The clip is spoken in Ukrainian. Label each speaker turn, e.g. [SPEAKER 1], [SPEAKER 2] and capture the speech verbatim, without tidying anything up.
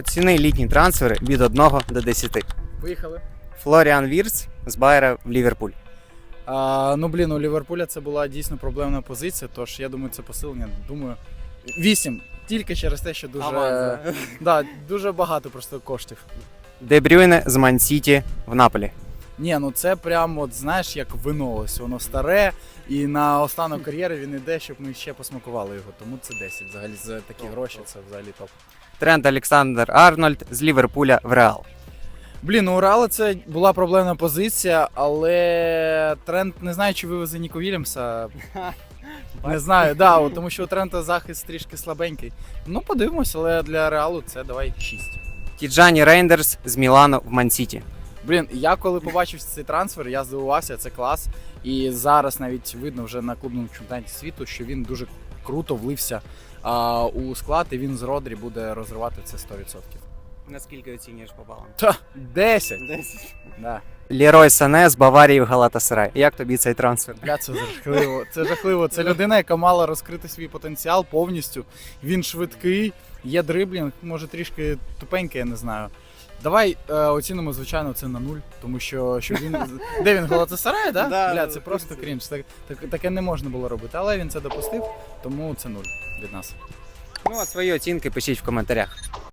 [SPEAKER 1] Ціни літні трансфери від одного до десяти.
[SPEAKER 2] Поїхали.
[SPEAKER 1] Флоріан Вірц з Байера в Ліверпуль.
[SPEAKER 2] А, ну, блін, у Ліверпуля це була дійсно проблемна позиція, тож я думаю, це посилення. Думаю, вісім. Тільки через те, що дуже,
[SPEAKER 1] Аванс,
[SPEAKER 2] да, дуже багато просто коштів.
[SPEAKER 1] Де Брюйне з Ман-Сіті в Наполі.
[SPEAKER 2] Ні, ну це прям, от знаєш, як вино, ось воно старе, і на останок кар'єри він іде, щоб ми ще посмакували його. Тому це десять. Взагалі за такі
[SPEAKER 1] Топ,
[SPEAKER 2] гроші
[SPEAKER 1] топ.
[SPEAKER 2] це взагалі топ.
[SPEAKER 1] Трент Олександр Арнольд з Ліверпуля в Реал.
[SPEAKER 2] Блін, у Урала це була проблемна позиція, але Трент, не знаю, чи вивезе Ніко Вільямса. Не знаю, да, от, тому що у Трента захист трішки слабенький. Ну, подивимось, але для Реалу це давай шість.
[SPEAKER 1] Тіджані Рейндерс з Мілану в Ман-Сіті.
[SPEAKER 2] Блін, я коли побачив цей трансфер, я здивувався, це клас. І зараз навіть видно вже на клубному чемпіонаті світу, що він дуже круто влився а, у склад, і він з Родрі буде розривати це сто відсотків.
[SPEAKER 1] Наскільки оцінюєш по балам?
[SPEAKER 2] Та, десять!
[SPEAKER 1] десять.
[SPEAKER 2] Да.
[SPEAKER 1] Лерой Сане з Баварії в Галатасарай. Як тобі цей трансфер?
[SPEAKER 2] Бля, це жахливо. Це жахливо. Це людина, яка мала розкрити свій потенціал повністю. Він швидкий, є дриблінг, може трішки тупенький, я не знаю. Давай е, оцінимо, звичайно, це на нуль, тому що, що він. Де він Галатасарай, да?
[SPEAKER 1] Да,
[SPEAKER 2] Бля, це
[SPEAKER 1] в
[SPEAKER 2] просто
[SPEAKER 1] курсі.
[SPEAKER 2] крінж. Так, так, таке не можна було робити, але він це допустив, тому це нуль від нас.
[SPEAKER 1] Ну а свої оцінки пишіть в коментарях.